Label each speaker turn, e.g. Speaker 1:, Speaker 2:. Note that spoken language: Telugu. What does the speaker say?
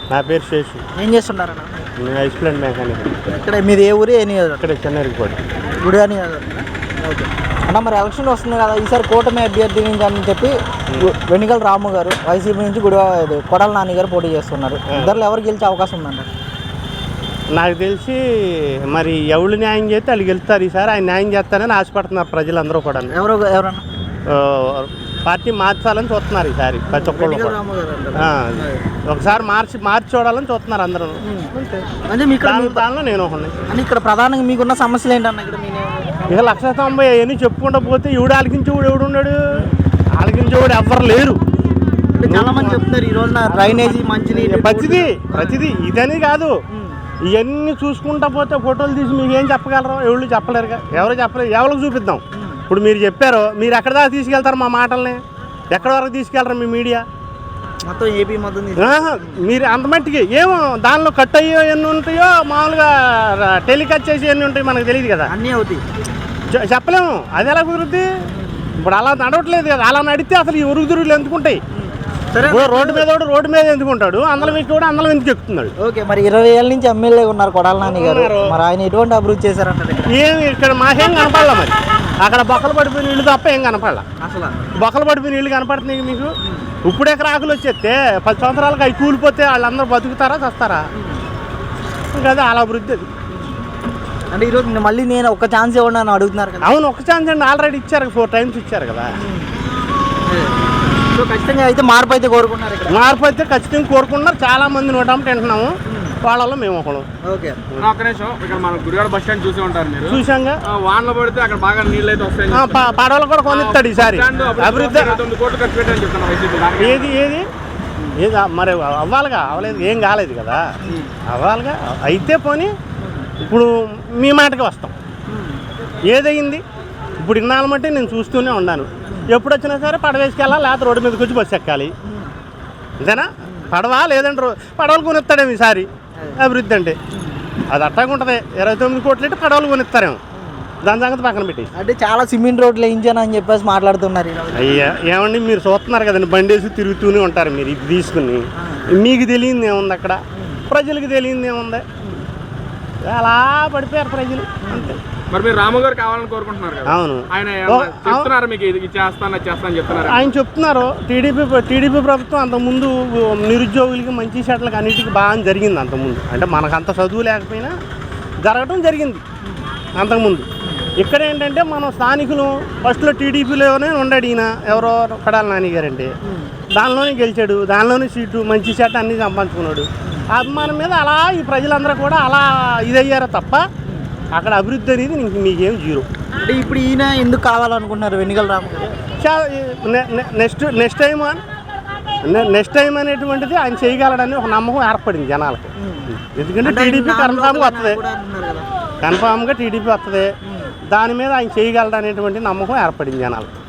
Speaker 1: నా పేరు శేషు.
Speaker 2: ఏం చేస్తున్నారన్న?
Speaker 1: నేను ఎక్స్ప్లెయిన్ మెకానిక్.
Speaker 2: ఇక్కడ మీది ఏ ఊరు, ఏ నియోజకవర్గం?
Speaker 1: ఇక్కడ చెన్నైరిపోయి
Speaker 2: గుడివా నియోజకవర్గం. ఓకే అన్న, మరి ఎలక్షన్ వస్తుంది కదా, ఈసారి కూటమి అభ్యర్థి నుంచి అని చెప్పి వెనిగల్ రాము గారు వైసీపీ నుంచి కొడాల నాని గారు పోటీ చేస్తున్నారు. ఇద్దరు ఎవరు గెలిచే అవకాశం ఉందండి?
Speaker 1: నాకు తెలిసి మరి ఎవరు న్యాయం చేస్తే వాళ్ళు గెలుస్తారు. ఈసారి ఆయన న్యాయం చేస్తారని ఆశపడుతున్నారు ప్రజలందరూ కూడా.
Speaker 2: ఎవరన్నా
Speaker 1: పార్టీ మార్చాలని చూస్తున్నారు ఈసారి ప్రతి ఒక్కళ్ళు. ఒకసారి మార్చి చూడాలని చూస్తున్నారు అందరూ.
Speaker 2: అంటే మీకు
Speaker 1: దానిలో నేను ఒకటి.
Speaker 2: అని ఇక్కడ ప్రధానంగా మీకున్న సమస్యలు ఏంటన్నా? ఇక్కడ
Speaker 1: ఇక 190 అవన్నీ చెప్పుకుంటూ పోతే ఈవిడ ఆలకించేవాడు ఎవడున్నాడు? ఆలకించేవాడు ఎవ్వరు లేరు.
Speaker 2: చాలా మంది చెప్తున్నారు ఈ రోజున డ్రైనేజీ, మంచినీరు,
Speaker 1: ప్రతిదీ ఇదని కాదు. ఇవన్నీ చూసుకుంటా పోతే ఫోటోలు తీసి మీకు ఏం చెప్పగలరు? ఎవరు చెప్పలేరుగా. ఎవరికి చూపిద్దాం? ఇప్పుడు మీరు చెప్పారు, మీరు ఎక్కడ దాకా తీసుకెళ్తారు మా మాటల్ని? ఎక్కడి వరకు తీసుకెళ్తారు మీ మీడియా?
Speaker 2: మొత్తం ఏపీ మొత్తం
Speaker 1: మీరు అంత మట్టికి ఏమో దానిలో కట్ అయ్యో ఎన్ని ఉంటాయో, మామూలుగా టెలికాస్ట్ చేసి ఎన్ని ఉంటాయో మనకు తెలియదు కదా.
Speaker 2: అన్నీ అవుతాయి,
Speaker 1: చెప్పలేము. అది ఎలా కుదురుద్ది? ఇప్పుడు అలా నడవట్లేదు కదా. అలా నడితే అసలు ఈ ఉరుగుదురుగులు ఎందుకుంటాయి? రోడ్డు మీద ఎందుకుంటాడు? అందరం కూడా అందరం ఎందుకు ఎక్కుతున్నాడు?
Speaker 2: ఓకే, మరి 20 ఏళ్ళ నుంచి ఎమ్మెల్యే ఉన్నారు కొడాల నాని గారు. మరి ఆయన ఎటువంటి అభివృద్ధి చేశారంటే?
Speaker 1: ఏమి ఇక్కడ మాకేం కనపడాల. మరి అక్కడ బొక్కలు పడిపోయిన ఇల్లు తప్ప ఏం కనపడాల.
Speaker 2: అసలు
Speaker 1: బొక్కలు పడిపోయిన ఇల్లు కనపడుతున్నాయి మీకు. ఇప్పుడే రాకులు వచ్చేస్తే 10 సంవత్సరాలకు అవి కూలిపోతే వాళ్ళందరూ బతుకుతారా, చస్తారా? ఇంకా అదే అలా అభివృద్ధి. అది
Speaker 2: అంటే ఈరోజు మళ్ళీ నేను ఒక ఛాన్స్ ఇవ్వండి అని అడుగుతున్నారు కదా.
Speaker 1: అవును, ఒక ఛాన్స్ అండి. ఆల్రెడీ ఇచ్చారు, 4 టైమ్స్ ఇచ్చారు కదా.
Speaker 2: సో ఖచ్చితంగా అయితే మార్పు అయితే కోరుకున్నారు.
Speaker 1: మార్పు అయితే ఖచ్చితంగా కోరుకున్నారు. చాలా మంది నోటం తింటున్నాము. వాళ్ళలో మేము ఒకడు.
Speaker 2: ఓకే,
Speaker 3: ఒక్క నిమిషం. ఇక్కడ మన గుడివాడ బస్ స్టాండ్ చూసి ఉంటారు మీరు.
Speaker 1: చూసాంగా.
Speaker 3: వానలో పడితే అక్కడ బాగా నీళ్ళు అయితే వస్తాయి.
Speaker 1: పడవలు కూడా కొనిస్తాడు ఈసారి. అభివృద్ధి
Speaker 3: 9 కోట్లు ఖర్చు పెట్టని చెప్తున్నా వైసీపీ.
Speaker 1: ఏది మరి అవ్వాలిగా. అవ్వలేదు, ఏం కాలేదు కదా. అవ్వాలిగా. అయితే పోనీ ఇప్పుడు మీ మాటకి వస్తాం. ఏదయింది ఇప్పుడు ఇన్నాళ్ళ మట్టి నేను చూస్తూనే ఉన్నాను. ఎప్పుడు వచ్చినా సరే పడవేసుకెళ్ళాలి, లేకపోతే రోడ్డు మీదకి వచ్చి బస్సు ఎక్కాలి. అంతేనా? పడవా లేదంటే పడవలు కొనిస్తాడేమో ఈసారి. అభివృద్ధి అంటే అది అట్టాగా ఉంటుంది. 29 కోట్లు అంటే పడవలు కొనిస్తారేమో. దాని సంగతి పక్కన పెట్టి
Speaker 2: అంటే చాలా సిమెంట్ రోడ్లు వేయించాను అని చెప్పేసి మాట్లాడుతున్నారు.
Speaker 1: అయ్యా ఏమండి, మీరు చూస్తున్నారు కదండి, బండి వేసి తిరుగుతూనే ఉంటారు మీరు. ఇది తీసుకుని మీకు తెలియదు ఏముంది అక్కడ, ప్రజలకు తెలియదు ఏముంది. అలా పడిపోయారు ప్రజలు అంతే.
Speaker 3: మరి మీరు రాము గారు కావాలని కోరుకుంటున్నారు కదా.
Speaker 1: అవును,
Speaker 3: ఆయన చెప్తున్నారు మీకు ఇది చేస్తానని చెప్తున్నారు.
Speaker 1: ఆయన చెప్తున్నారు. టీడీపీ ప్రభుత్వం అంతకుముందు నిరుద్యోగులకి మంచి సెట్లకి అన్నిటికీ బాగా జరిగింది. అంతకుముందు అంటే మనకు అంత చదువు లేకపోయినా జరగటం జరిగింది అంతకుముందు. ఇక్కడ ఏంటంటే మనం స్థానికులు ఫస్ట్లో టీడీపీలోనే ఉండాడు ఈయన, ఎవరో కొడాల నాని గారు అంటే. దానిలోనే గెలిచాడు, దానిలోనే సీటు మంచి సెట్ అన్నీ సంపాదించుకున్నాడు. అభిమానం మీద అలా ఈ ప్రజలందరూ కూడా అలా ఇదయ్యారో తప్ప అక్కడ అభివృద్ధి అనేది మీకేం జీరో.
Speaker 2: అంటే ఇప్పుడు ఈయన ఎందుకు కావాలనుకుంటున్నారు వెనిగల్ రాము గారు?
Speaker 1: నెక్స్ట్ టైం అనేటువంటిది ఆయన చేయగలడని ఒక నమ్మకం ఏర్పడింది జనాలకి. ఎందుకంటే టీడీపీ కన్ఫామ్గా టీడీపీ వస్తుంది. దాని మీద ఆయన చేయగలడు అనేటువంటి నమ్మకం ఏర్పడింది జనాలకు.